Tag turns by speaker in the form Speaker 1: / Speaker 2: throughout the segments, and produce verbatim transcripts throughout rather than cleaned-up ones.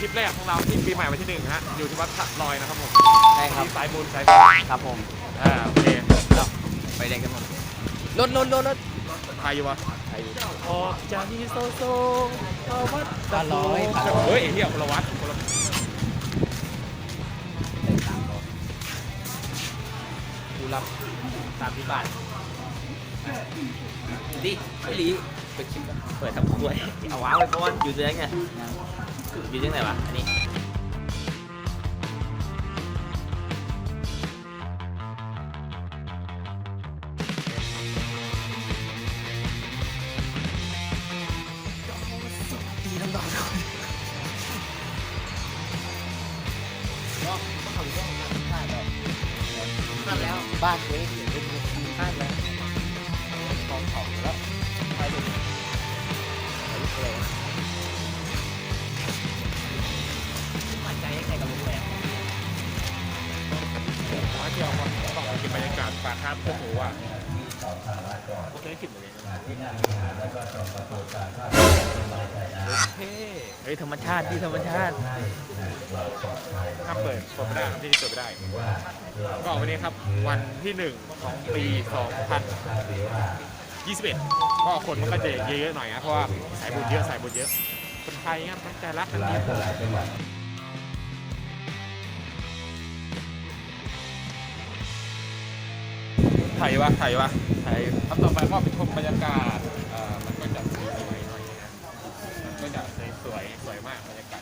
Speaker 1: ปแรกของเราที่ปีใหม่วันที่หนึ่งฮะอยู่ที่วัดสะลอยนะครับผม
Speaker 2: ใช่ครับ
Speaker 1: สายบุญสายบุญ
Speaker 2: ครับผม
Speaker 1: อ่าโอเค
Speaker 2: ไปแดงกันหมดรถรถรถรถ
Speaker 1: ใครอยู่วะ
Speaker 2: ใครอยู่
Speaker 1: ออกจากที่โซโซเข้าวัด
Speaker 2: ตาร้อย
Speaker 1: เฮ้ยไอ้เหี้ยคนละวัดคนละ
Speaker 2: ดูรับสามสิบบาทดิไม่หลีเปิดคลิปเปิดทำครัวเอาว้าวไปเพราะว่าอยู่ตรงไหนไงอยู่ตรงไหนวะอันนี้ตีน้ำดอกพลาดแล้วบ้านเว้ยพลาดแล้วกองของแล้วไปดูไปดูอะไรมั่นใจยังไงกับลุงแหวน
Speaker 1: มาเที่ยววันต้องไปกินบรรยากาศปลาคาร์ฟเพื่อหมูอ่ะโอเคกินเลย
Speaker 2: เฮ้ยธรรมชาติที่ธรรมชาติ
Speaker 1: ถ้าเปิดเปิดไม่ได้ครับที่นี่เปิดไม่ได้ก็วันนี้ครับวันที่หนึ่งของปีสองพันยี่สิบเอ็ดก็คนมันก็จะเยอะๆหน่อยนะเพราะว่าสายบุญเยอะสายบุญเยอะคนไทยครับตั้งใจรักกันดีไทยวะไทยวะไทยครับต่อไปก็เป็นชมบรรยากาศมันก็จะสวยๆหน่อยนะก็จะสวยสวยมากบรรยากาศ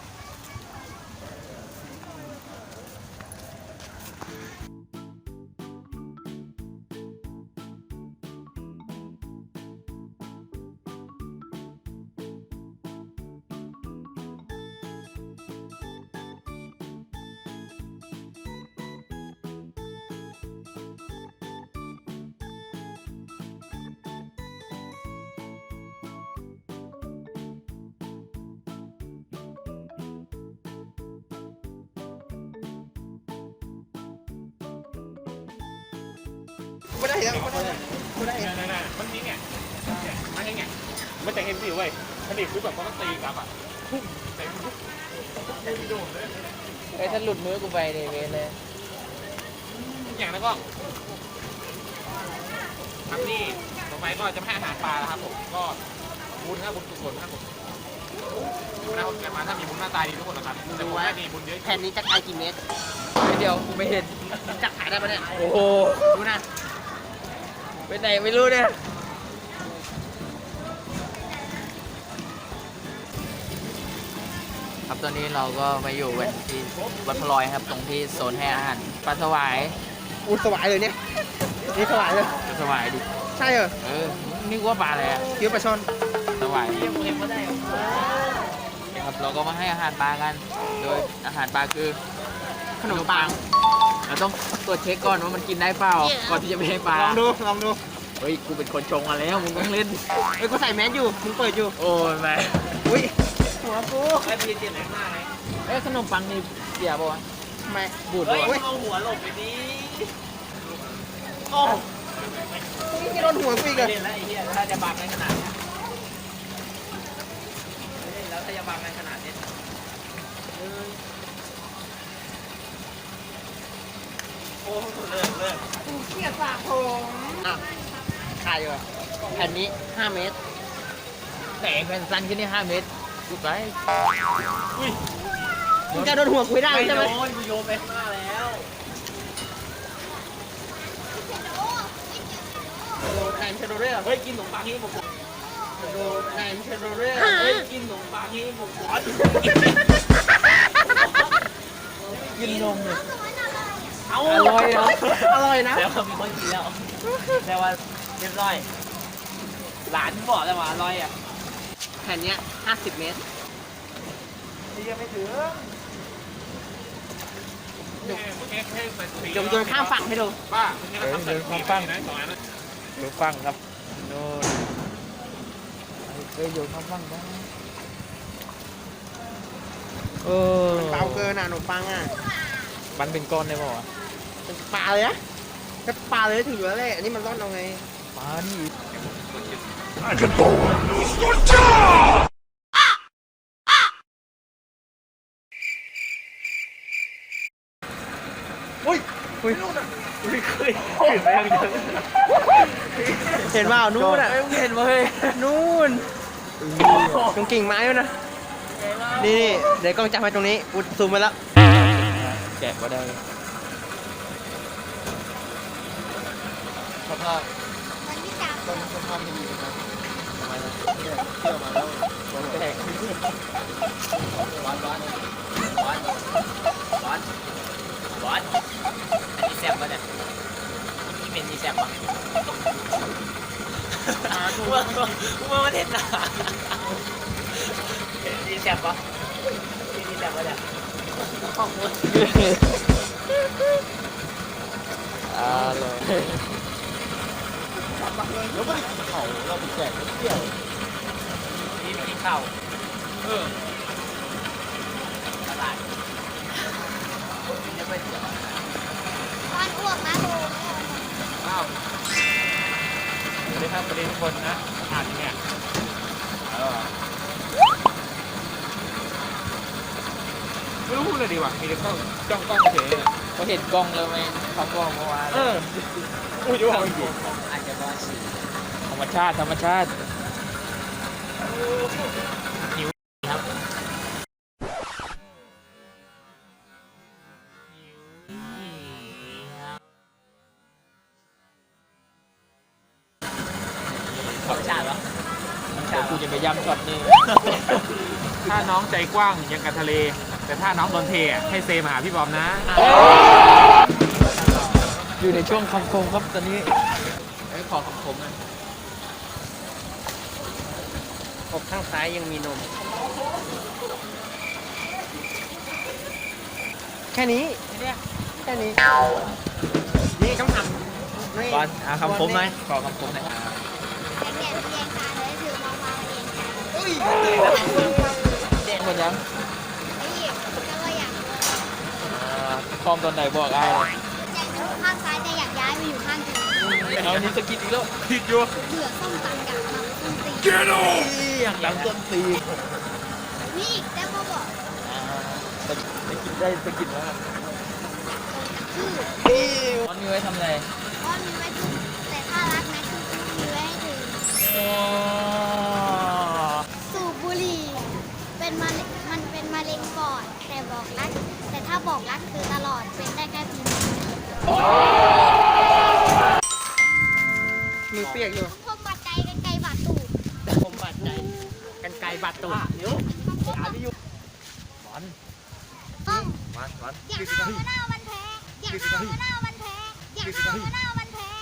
Speaker 2: ไม่ได้แล้วไม่ได้ไม่ได้
Speaker 1: นั่นๆมันนี่ไงมันไงมันจะเห็นสิเว้ยมันนี่คือแบบมันก็ตีกลับอ่ะพุ่งเต็มทุกไม่โดนเลย
Speaker 2: ไอ้ถ้าหลุดมือกูไปเลยเวเลย
Speaker 1: อย่างนั้นก็ทำนี่ต่อไปก็จะให้อาหารปลาแล้วครับผมก็บุญครับบุญกุศลครับผมนะคนเกิดมาถ้ามีบุญหน้าตาดีทุกคนนะครับแต่ผมไม่มีบุญเยอะ
Speaker 2: แผ่นนี้จะขายกี่เมตรเดียวกูไม่เห็นจะขายได้ปะเนี่ยโอ้โหดูนะไปไหนไม่รู้เนี่ยครับตอนนี้เราก็มาอยู่กันที่วัดพลอยครับตรงที่โซนให้อาหารปลาสวายอุดสวายเลยเนี่ยนี่สวายเลยสวายดิใช่เหรอเออนึกว่าปลาอะไรอ่ะคิ้วปลาช่อนสวายยังเห็นว่าได้ครับเราก็มาให้อาหารปลากันโดยอาหารปลาคือขนมปังเราต้องตรวจเช็คก่อนว่ามันกินได้เปล่าก่อนที่จะไปให้ปลาลองดูลองดูเฮ้ยกูเป็นคนชงมาแล้วมึงต้องเล่นเฮ้ยกูใส่แมสอยู่มึงเปิดอยู่โอ้ยแม่อุ้ยหัวกูไอ้พี่เจ็บหนักมากเลยเอ้ขนมปังนี่เสียป่ะวะทำไมบูดป่ะเฮ้ยเอาหัวหลบไปดิโอ้นี่ที่โดนหัวกูอีกเหรอเล่นแล้วไอ้เหี้ยถ้าจะบังในขนาดนี้แล้วถ้าจะบังในขนาดนี้โอ้เลิกเลิกเกียร์สระผมอ่ะขายอยู่แผ่นนี้ห้าเมตรแต่แผ่นสั้นขึ้นนี่ห้าเมตรกูไปอุ้ยมึงจะโดนหัวคุยได้ใช่ไหมโดนกูโยนไปข้างหน้าแล้วโดนแอนเชโดเร่เฮ้ยกินขนมปังที่ผมโดนแอนเชโดเร่เฮ้ยกินขนมปังที่ผมขอกินนมเลยอร่อยเนาะอร่อยนะแล้วมีคนกินแล้วแต่ว่าเรียบร้อยหลานบอกแล้วว่าอร่อยอ่ะแผ่นนี้ห้าสิบเมตรนี่ยังไม่ถึงเดี๋ยวโยนข้ามฝั่งให้ดูป้าเดินข้ามฝั่งนะสองอันนะดูฝั่งครับโน่นเฮ้ยโยนข้ามฝั่งได้เออเปล่าเกินอ่ะขนมปังอ่ะมันเป็นก้อนได้ป่าวเป็นปลาเลยนะแค่ปลาเลยถึงอยู่แล้วแหละอันนี้มันร่อนเอาไงปลานี่อุ้ยไม่เคยเห็นไหมเห็นว่านู่นอ่ะเห็นไหมนู่นตรงกิ่งไม้ด้วยนะนี่นี่เดี๋ยวกล้องจับไปตรงนี้อุดซูมไปแล้วแกะก็ได้สภาพต้นสภาพไม่ดีนะครับทำไมนะเที่ยวมาแล้วต้นแตกร้อนร้อนร้อนร้อนร้อนอันนี้แซ่บปะเนี่ยนี่เป็นนี่แซ่บปะกูว่ากูว่ามันเห็นหนานี่แซ่บปะนี่แซ่บปะเนี่ยขอบคุณอ่าเลยแล้วไม่ได้กินเข่าเราไปแจกเที่ยวนี่ไม่กินเข่าเออตลาดยังไม่เที่ยว
Speaker 3: ตอนอ้วกนะโบ
Speaker 1: อ้าวสวัสดีครับสวัสดีทุกคนนะอ่านเนี่ยไม่รู้พูดเลยดีว่ะมีแต่กล้องจ้องกล้องเฉยเลย
Speaker 2: เขาเห็นกล้องแล้วไหมเขาบอกเมื่อวาน
Speaker 1: เออพูดจะว่าไม่ถูก
Speaker 2: อาจจะว่าสีธรรมชาติธรรมชาติหิวครับธรรมชาติเหรอธรรมชาติกูจะไปย้ำช็อตนี้
Speaker 1: ถ้าน้องใจกว้างยังกับทะเล แต่ถ้าน้องโดนเทอ่ะให้เซมาหาพี่บอมนะ
Speaker 2: อยู่ในช่วงคำคมครับตอนนี้ไม่ขอคำคมนะอกข้างซ้ายยังมีนมแค่นี้แค่นี้นี่ต้องทำก่อนเอาคำคมไหมขอคำคมหน่อยครับ
Speaker 3: แต่เปลี่ยนเพียงค่ะเลยถือมองมาเองค่ะ
Speaker 2: เด็กหมดยัง
Speaker 3: ไอ้หยิบก็ว่าอยาก
Speaker 2: คอมตอนไหนบอกไอ้
Speaker 3: อยากอยู่ข้างซ้ายแต่อยากย้ายไปอยู่ข้างเธอ
Speaker 2: เอานี่สกิดอีกแล้ว
Speaker 1: ผิดอยู่
Speaker 3: เบื่อส้มตำอยากทำส้มตี
Speaker 2: อยากดังต้นตี
Speaker 3: นี่อีกแต่พอบอก
Speaker 2: สกิดได้สกิดแล้ว
Speaker 3: ชื่อ
Speaker 2: ตอนนี้ไว้ทำอะไร
Speaker 3: ก็มีไว้ถูกแต่ถ้ารักนะคือมีไว้ให้ถึงสูบบุหรี่เป็นมะเร็งมันเป็นมะเร็งปอดแต่บอกรัก แต่ถ้าบอกรักคือตลอดเป็นได้แค่ปีนี้
Speaker 2: มือเปียกอยู่
Speaker 3: พวกบาดใจกันไกลบาดตูด
Speaker 2: ผมบาดใจกันไกลบาดตูดเดี๋ยวอ่านไม่อยู่บอล
Speaker 3: ต้อง
Speaker 2: บอลบอล
Speaker 3: อยากเอามะนาวมันแพงอยากเอามะนาวมันแพงอยากเอามะนาวมันแพง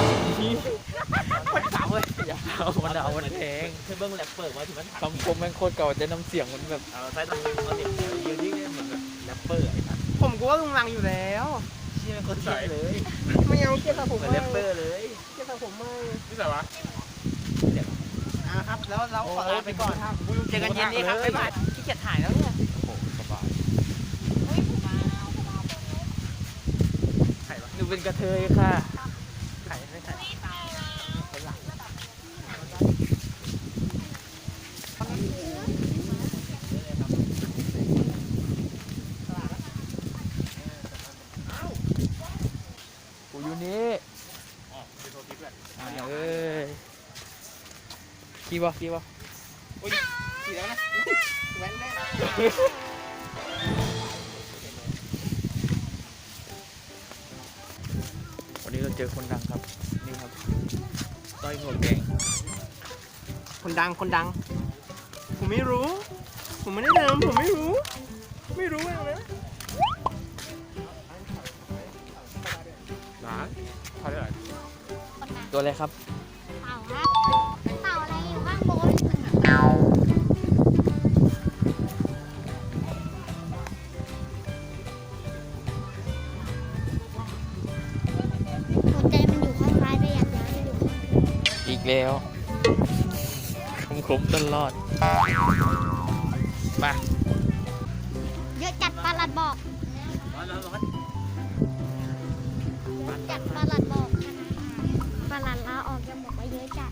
Speaker 2: มันเก่าเว้ยอย่าเอามันเอามันแพงแค่เบิ้งแรปเปอร์มาถึงมันคำคมแม่งโคตรเก่าแต่น้ำเสียงมันแบบเอาใส่ต้องเอาเสียงยืนนิ่งเหมือนแบบแรปเปอร์ไอ้สัส
Speaker 4: ผมก็ว่าลุงลังอยู่แล้ว
Speaker 2: เชี่ยคนใส่เลย
Speaker 4: ไม่เอาเกี่ยวกับผม
Speaker 2: เหมือน
Speaker 4: ไม่
Speaker 2: แรปเปอร์เลย
Speaker 4: เกี่ยวกับผมไม่
Speaker 1: นี่ใส่วะ
Speaker 4: อ่าครับ แล้วเราขอลาไปก่อนครับเจอกันเย็นนี้ครับบ๊ายบายขี้เกียจถ่ายแล้วเนี่ย
Speaker 2: โอ้โหสบายหนูเป็นกระเทยค่ะ
Speaker 4: ถ่ายไม่ถ่าย
Speaker 2: กูอยู่นี่
Speaker 1: อ๋อเป็นโทรทิปแหละ
Speaker 2: เอ้ยกี่บ่กี่บ่
Speaker 4: ขี่แล้วนะแว้นแน่
Speaker 2: วันนี้เราเจอคนดังครับ นี่ครับต้อยหัวแกง
Speaker 4: คนดังคนดัง ผมไม่รู้ ผมไม่ได้ทำผมไม่รู้ ไม่รู้อะไรนะ
Speaker 1: ร้านเขาเรียกอะไร
Speaker 3: คนนั้น
Speaker 2: ตัวอะไรครับ
Speaker 3: เต่าครับเต่าอะไรอยู่ข้างบนหัวใจมันอยู่ข้างซ้ายแต่อยากย้ายไปอยู่ข้างเธอ
Speaker 2: อีกแล้วคมคมตลอดมา
Speaker 3: เยอะจัดปลาลัดบอกเยอะจัดปลาลัดบอกปลาลัดลาออกยังบอกว่าเยอะจัด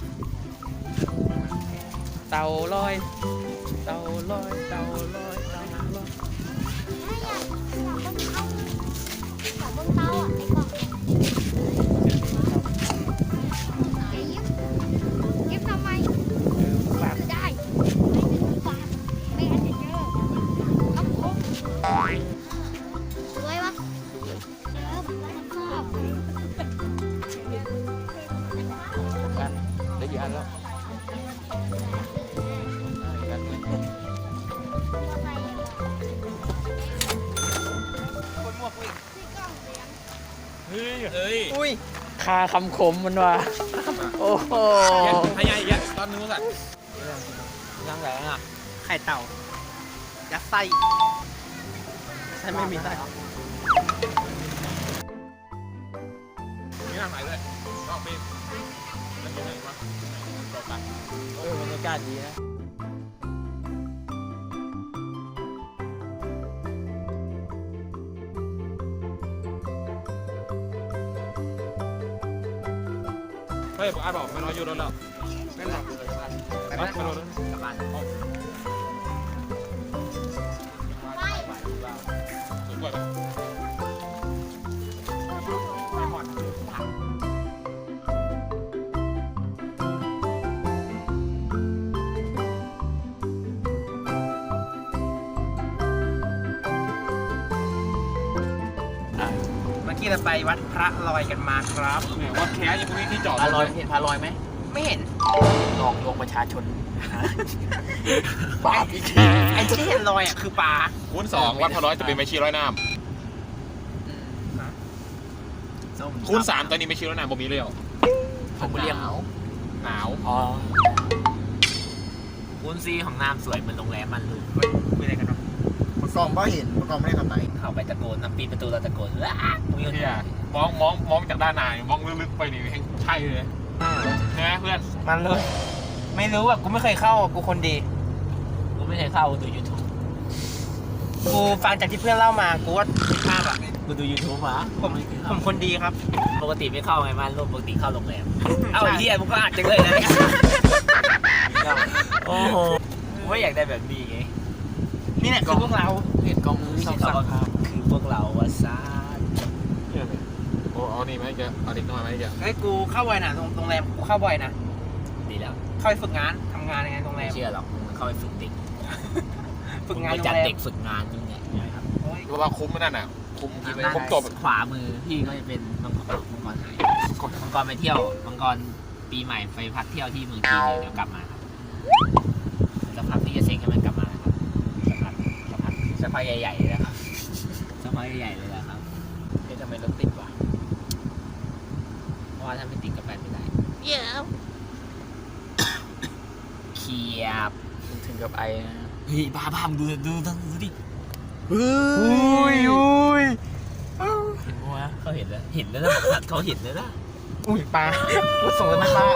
Speaker 2: เต่าลอย เต่าลอย เต่าลอย เต่าลอย
Speaker 3: ถ้าอยากอยากเบิ้งเต้าอยากเบิ้งเต้าอ่ะในก
Speaker 2: ทันแล้ว
Speaker 4: คนหมวกวิ่ง
Speaker 1: เฮ้ย
Speaker 2: เฮ้ย
Speaker 4: อุ้ย
Speaker 2: คาคำคมมันว่ะโอ้โห
Speaker 1: พยายามตอนนึงสัตว์
Speaker 2: ยังไงอ่ะ
Speaker 4: ไข่เต่ายัดไส้ไส้ไม่มีไส้
Speaker 1: นี่นั่งไหนด้วยนอกปีนแล้วกินอะไรวะตกกัน
Speaker 2: เออบรรยากาศดีนะ
Speaker 1: เฮ้ยบอกอาบอกไม่น้อยอยู่รถแล้ว
Speaker 4: ไม่หลับเลย
Speaker 1: ไม่รถไม่รถ
Speaker 2: กลับบ้าน
Speaker 1: สวยกว่าไหม
Speaker 4: เมื่อกี้เราไปวัดพระลอยกันมาครับ
Speaker 1: เนี่ยวัดแคสยังไม่มีที่จอด
Speaker 2: พาลอยเห็นพาลอยไหม
Speaker 4: ไม่เห็น
Speaker 2: หลอกลวงประชาชนบ้าพี่
Speaker 4: ไอ้ที่เห็นลอยอ่ะคือปลา
Speaker 1: คูณสองวัดพะร้อยจะเป็นไม้ชีร้อยน้ำคูณสามตอนนี้ไม้ชีร้อยน้ำบ่มีเลยเหรอ
Speaker 2: ผมเรียกหนาว
Speaker 1: หนาว
Speaker 2: อ๋อคูณซีของน้ำสวยเหมือนโรงแรมมันลูก
Speaker 4: คุยอะไรกันวะ
Speaker 5: ประกอบไม่เห็นประกอบไม่ได้ทำไหน
Speaker 2: เข้าไปตะโกนน้ำปีประตูเราตะโกนว้ามึงยัง
Speaker 1: เนี่ยมองมองมองจากด้านในมองลึกๆไปนี่ใช่เลยใช่ไหมเพื่อน
Speaker 4: มันเลย ไม่รู้อ่ะกูไม่เคยเข้าอ่ะกูคนดี
Speaker 2: กูไม่เคยเข้ากูดูยูทูบ
Speaker 4: กูฟังจากที่เพื่อนเล่ามากูว่าผิดพลาดอ่ะ
Speaker 2: กูดูยูทูบมา
Speaker 4: ผมผมคนดีครับ
Speaker 2: ปกติไม่เข้าไงมันปกติเข้าโรงแรมเอ้าไอ้เหี้ยมึงก็อาจจะเลยนะโอ้โหกูไม่อยากได้แบบนี้ไง
Speaker 4: นี่แหละคือพวกเรา
Speaker 2: เห็นกล้องมือสองสามคือพวกเราวะซ่า
Speaker 1: โอ้เอานี่ไหมแกเอาเด็กน้อยไหมแก
Speaker 4: เฮ้ยกูเข้าบ่อยนะโรงโรงแรมกูเข้าบ่อยนะ
Speaker 2: ดีแล้ว
Speaker 4: เข้าไปฝึกงานทำงานยังไงโรงแร
Speaker 2: ไม่
Speaker 4: ม
Speaker 2: เชื่อหรอกมึงเข้าไปฝึกเด็ก
Speaker 4: ฝึกงาน
Speaker 2: มึ
Speaker 4: โร
Speaker 2: ไปจัด
Speaker 4: งแรม
Speaker 2: เด็กฝึกงานยังไง
Speaker 4: โอ้ย
Speaker 1: เพราะว่าคุ้มนั่นน่ะคุ้มที่ไปคุ้มจบ
Speaker 2: ขวามือพี่ก็จะเป็นมังกรมังกรหายมังกรไปเที่ยวมังกรปีใหม่ไปพักเที่ยวที่เมืองจีนเดี๋ยวกลับมาครับสักพักพี่จะเซ็งให้มันกลับมานะครับสักพักสักพักสักพักใหญ่ๆเลยนะครับสักพักใหญ่ๆเลยนะครับเอ๊ะทำไมรถติดวะเพราะว่าถ้าไม่ติดก็ไปไม่ได้
Speaker 3: เดี๋ยว
Speaker 2: เขียบถึงกับไอนะเฮ้ยบ้าบ้ามดูดูดูดูดิ
Speaker 4: อุ้ยอุ้ย
Speaker 2: เห็นปะวะเขาเห็นแล้วเห็นแล้วนะเขาเห็นแล้วนะ
Speaker 4: อุ้ยปลากูส่งแล้วนะปลา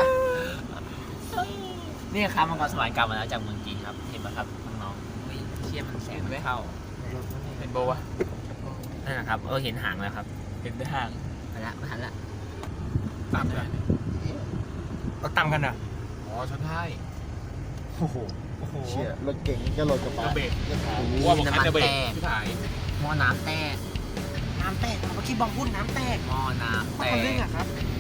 Speaker 2: นี่ครับมังกรสวรรค์กลับมาแล้วจากเมืองจีนครับเห็นไหมครับน้องๆเฮ้ยเชี่ยมันแสงไม่เข้า
Speaker 1: เห็นโบวะ
Speaker 2: นั่นนะครับเออเห็นหางแล้วครับเห็นแต่หางมาละมาหันละ
Speaker 1: ตามกัน
Speaker 4: เราตำกันเหรอ
Speaker 1: อ๋อชั้นท้าย
Speaker 5: โอ้โห
Speaker 4: โอ้โห
Speaker 5: เชี่ยรถเก่งก็รถกระบะ
Speaker 1: เบรก
Speaker 5: จะถ่าย
Speaker 1: ว่าบอกคันจะเบรกที่ถ่าย
Speaker 2: หม้อน้ำแตก
Speaker 4: น้ำแตกเมื่อกี้บองพูดน้ำแตก
Speaker 2: หม้อน้ำแต
Speaker 4: คนเรื่อง
Speaker 2: ก
Speaker 4: อะครับ